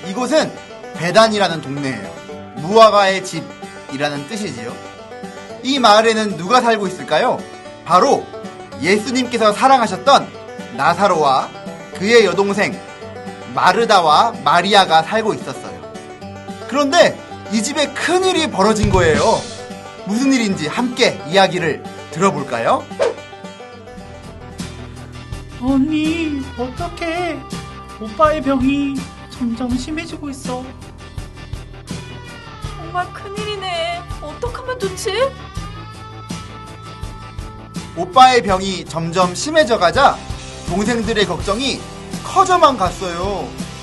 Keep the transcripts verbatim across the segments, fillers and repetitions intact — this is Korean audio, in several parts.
이곳은 베단이라는 동네예요. 무화과의 집이라는 뜻이지요. 이 마을에는 누가 살고 있을까요? 바로 예수님께서 사랑하셨던 나사로와 그의 여동생 마르다와 마리아가 살고 있었어요. 그런데 이 집에 큰일이 벌어진 거예요. 무슨 일인지 함께 이야기를 들어볼까요? 언니, 어떡해. 오빠의 병이 점점 심해지고 있어. 정말 큰일이네. 어떡하면 좋지? 오빠의 병이 점점 심해져 가자 동생들의 걱정이 커져만 갔어요.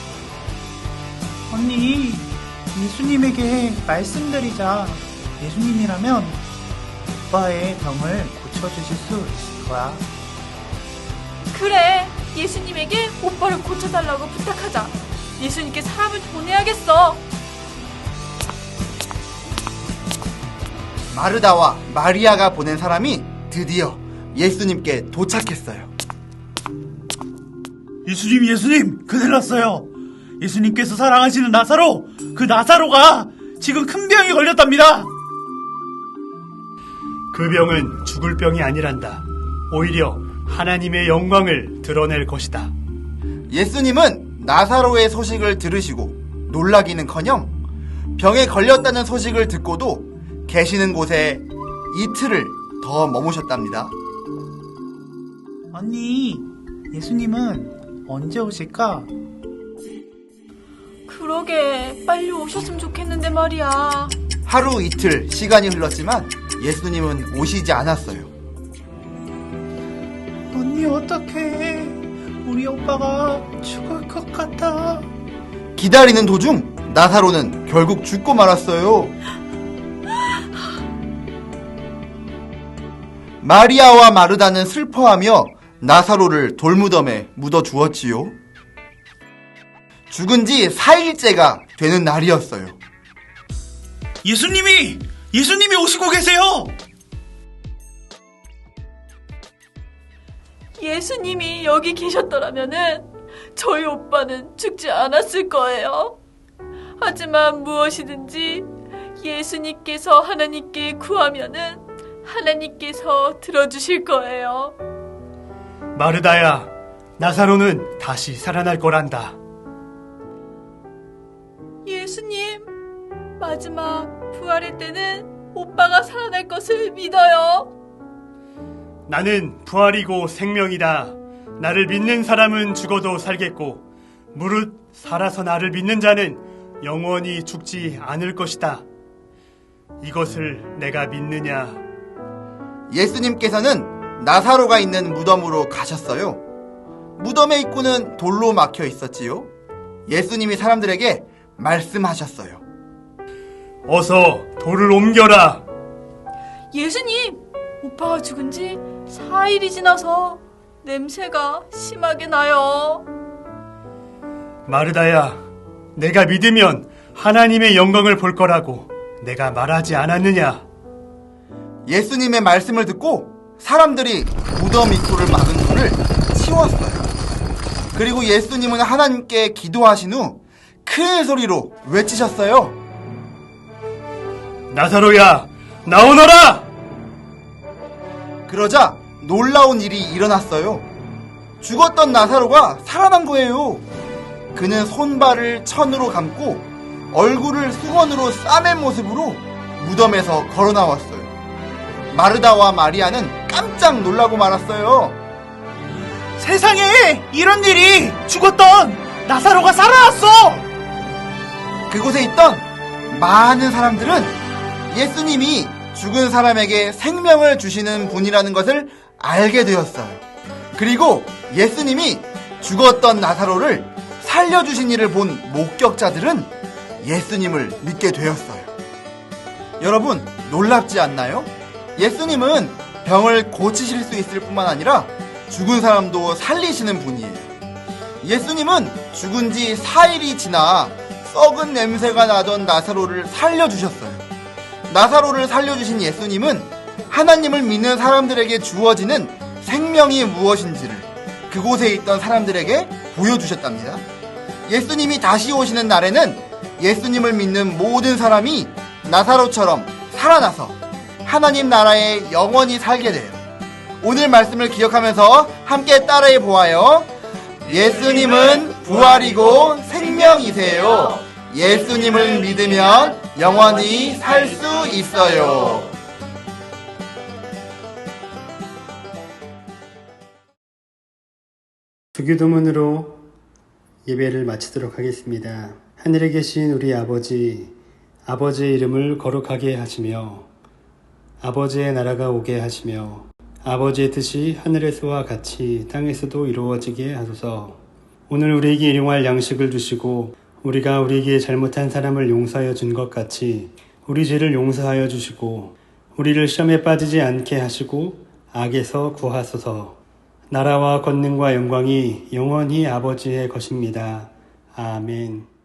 언니, 예수님에게 말씀드리자. 예수님이라면 오빠의 병을 고쳐주실 수 있을 거야. 그래, 예수님에게 오빠를 고쳐달라고 부탁하자. 예수님께 사람을 보내야겠어. 마르다와 마리아가 보낸 사람이 드디어 예수님께 도착했어요. 예수님, 예수님, 큰일 났어요. 예수님께서 사랑하시는 나사로, 그 나사로가 지금 큰 병이 걸렸답니다. 그 병은 죽을 병이 아니란다. 오히려 하나님의 영광을 드러낼 것이다. 예수님은 나사로의 소식을 들으시고 놀라기는커녕 병에 걸렸다는 소식을 듣고도 계시는 곳에 이틀을 더 머무셨답니다. 언니, 예수님은 언제 오실까? 그러게, 빨리 오셨으면 좋겠는데 말이야. 하루 이틀 시간이 흘렀지만 예수님은 오시지 않았어요. 언니, 어떡해. 우리 오빠가 죽을 것 같아. 기다리는 도중 나사로는 결국 죽고 말았어요. 마리아와 마르다는 슬퍼하며 나사로를 돌무덤에 묻어주었지요. 죽은 지 사 일째가 되는 날이었어요. 예수님이! 예수님이 오시고 계세요! 예수님이 여기 계셨더라면은 저희 오빠는 죽지 않았을 거예요. 하지만 무엇이든지 예수님께서 하나님께 구하면은 하나님께서 들어주실 거예요. 마르다야, 나사로는 다시 살아날 거란다. 예수님, 마지막 부활의 때는 오빠가 살아날 것을 믿어요. 나는 부활이고 생명이다. 나를 믿는 사람은 죽어도 살겠고 무릇 살아서 나를 믿는 자는 영원히 죽지 않을 것이다. 이것을 내가 믿느냐? 예수님께서는 나사로가 있는 무덤으로 가셨어요. 무덤의 입구는 돌로 막혀 있었지요. 예수님이 사람들에게 말씀하셨어요. 어서 돌을 옮겨라. 예수님, 오빠가 죽은 지 사 일이 지나서 냄새가 심하게 나요. 마르다야, 내가 믿으면 하나님의 영광을 볼 거라고 내가 말하지 않았느냐? 예수님의 말씀을 듣고 사람들이 무덤 입구를 막은 돌을 치웠어요. 그리고 예수님은 하나님께 기도하신 후 큰 소리로 외치셨어요. 나사로야, 나오너라! 그러자 놀라운 일이 일어났어요. 죽었던 나사로가 살아난 거예요. 그는 손발을 천으로 감고 얼굴을 수건으로 싸맨 모습으로 무덤에서 걸어 나왔어요. 마르다와 마리아는 깜짝 놀라고 말았어요. 세상에 이런 일이! 죽었던 나사로가 살아났어! 그곳에 있던 많은 사람들은 예수님이 죽은 사람에게 생명을 주시는 분이라는 것을 알게 되었어요. 그리고 예수님이 죽었던 나사로를 살려주신 일을 본 목격자들은 예수님을 믿게 되었어요. 여러분, 놀랍지 않나요? 예수님은 병을 고치실 수 있을 뿐만 아니라 죽은 사람도 살리시는 분이에요. 예수님은 죽은 지 사 일이 지나 썩은 냄새가 나던 나사로를 살려주셨어요. 나사로를 살려주신 예수님은 하나님을 믿는 사람들에게 주어지는 생명이 무엇인지를 그곳에 있던 사람들에게 보여주셨답니다. 예수님이 다시 오시는 날에는 예수님을 믿는 모든 사람이 나사로처럼 살아나서 하나님 나라에 영원히 살게 돼요. 오늘 말씀을 기억하면서 함께 따라해 보아요. 예수님은 부활이고 생명이세요. 예수님을 믿으면 영원히 살 수 있어요. 주기도문으로 예배를 마치도록 하겠습니다. 하늘에 계신 우리 아버지, 아버지의 이름을 거룩하게 하시며 아버지의 나라가 오게 하시며 아버지의 뜻이 하늘에서와 같이 땅에서도 이루어지게 하소서. 오늘 우리에게 일용할 양식을 주시고 우리가 우리에게 잘못한 사람을 용서하여 준 것 같이 우리 죄를 용서하여 주시고 우리를 시험에 빠지지 않게 하시고 악에서 구하소서. 나라와 권능과 영광이 영원히 아버지의 것입니다. 아멘.